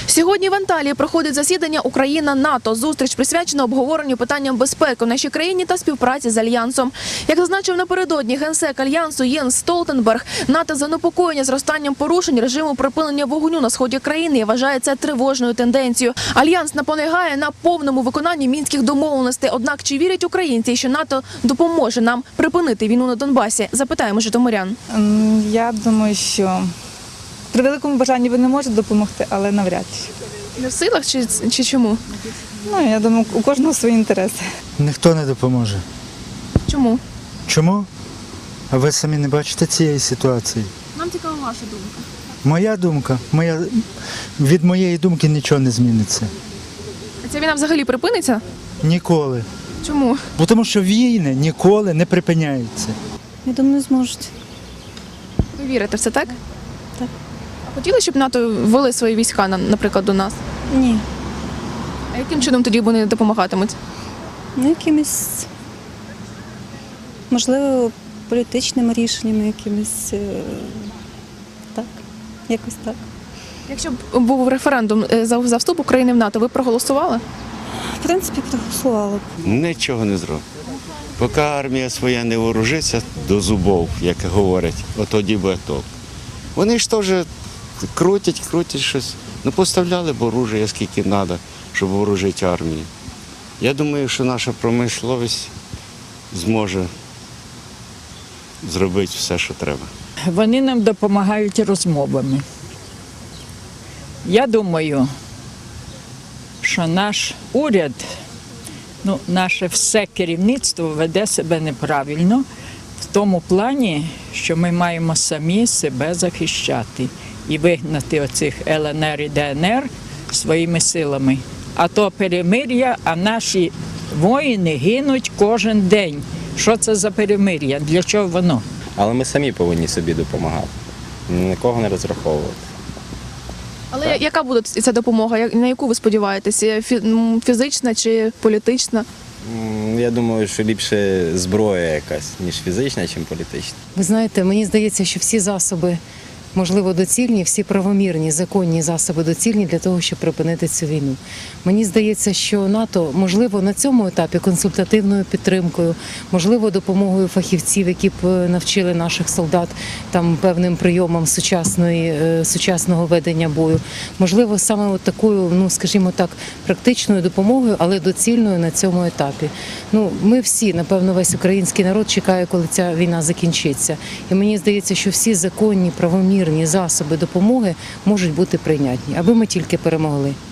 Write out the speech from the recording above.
Сьогодні в Анталії проходить засідання Україна-НАТО. Зустріч присвячена обговоренню питанням безпеки в нашій країні та співпраці з Альянсом. Як зазначив напередодні генсек Альянсу Єнс Столтенберг, НАТО занепокоєння зростанням порушень режиму припинення вогню на сході країни і вважає це тривожною тенденцією. Альянс наполягає на повному виконанні мінських домовленостей. Однак чи вірять українці, що НАТО допоможе нам припинити війну на Донбасі? Запитаємо житомирян. Я думаю, що при великому бажанні ви не можете допомогти, але навряд чи. Не в силах чи чому? Я думаю, у кожного свої інтереси. Ніхто не допоможе. Чому? Чому? А ви самі не бачите цієї ситуації? Нам цікава ваша думка. Моя думка, від моєї думки нічого не зміниться. А ця війна взагалі припиниться? Ніколи. Чому? Бо тому що війни ніколи не припиняються. Я думаю, не зможуть. Ви вірите в це, так? Так. А хотіли, щоб НАТО ввели свої війська, наприклад, до нас? Ні. А яким чином тоді вони допомагатимуть? Якимись, можливо, політичними рішеннями, якимись, так, якось так. Якщо б був референдум за вступ України в НАТО, ви б проголосували? В принципі, проголосувала б. Нічого не зробить. Поки армія своя не вооружиться до зубов, як говорять, от тоді буде толк. Вони ж теж крутять щось. Поставляли б оружие, скільки треба, щоб вооружити армію. Я думаю, що наша промисловість зможе зробити все, що треба. Вони нам допомагають розмовами. Я думаю, що наш уряд, наше все керівництво веде себе неправильно в тому плані, що ми маємо самі себе захищати і вигнати оцих ЛНР і ДНР своїми силами. А то перемир'я, а наші воїни гинуть кожен день. Що це за перемир'я? Для чого воно? Але ми самі повинні собі допомагати, нікого не розраховувати. Але яка буде ця допомога? На яку ви сподіваєтеся? Фізична чи політична? Я думаю, що ліпше зброя якась, ніж фізична, ніж політична. Ви знаєте, мені здається, що всі засоби, можливо, доцільні, всі правомірні, законні засоби доцільні для того, щоб припинити цю війну. Мені здається, що НАТО, можливо, на цьому етапі консультативною підтримкою, можливо, допомогою фахівців, які б навчили наших солдат там певним прийомам сучасного ведення бою, можливо, саме от такою, скажімо так, практичною допомогою, але доцільною на цьому етапі. Ми всі, напевно, весь український народ чекає, коли ця війна закінчиться. І мені здається, що всі законні, правомірні засоби допомоги можуть бути прийнятні, аби ми тільки перемогли.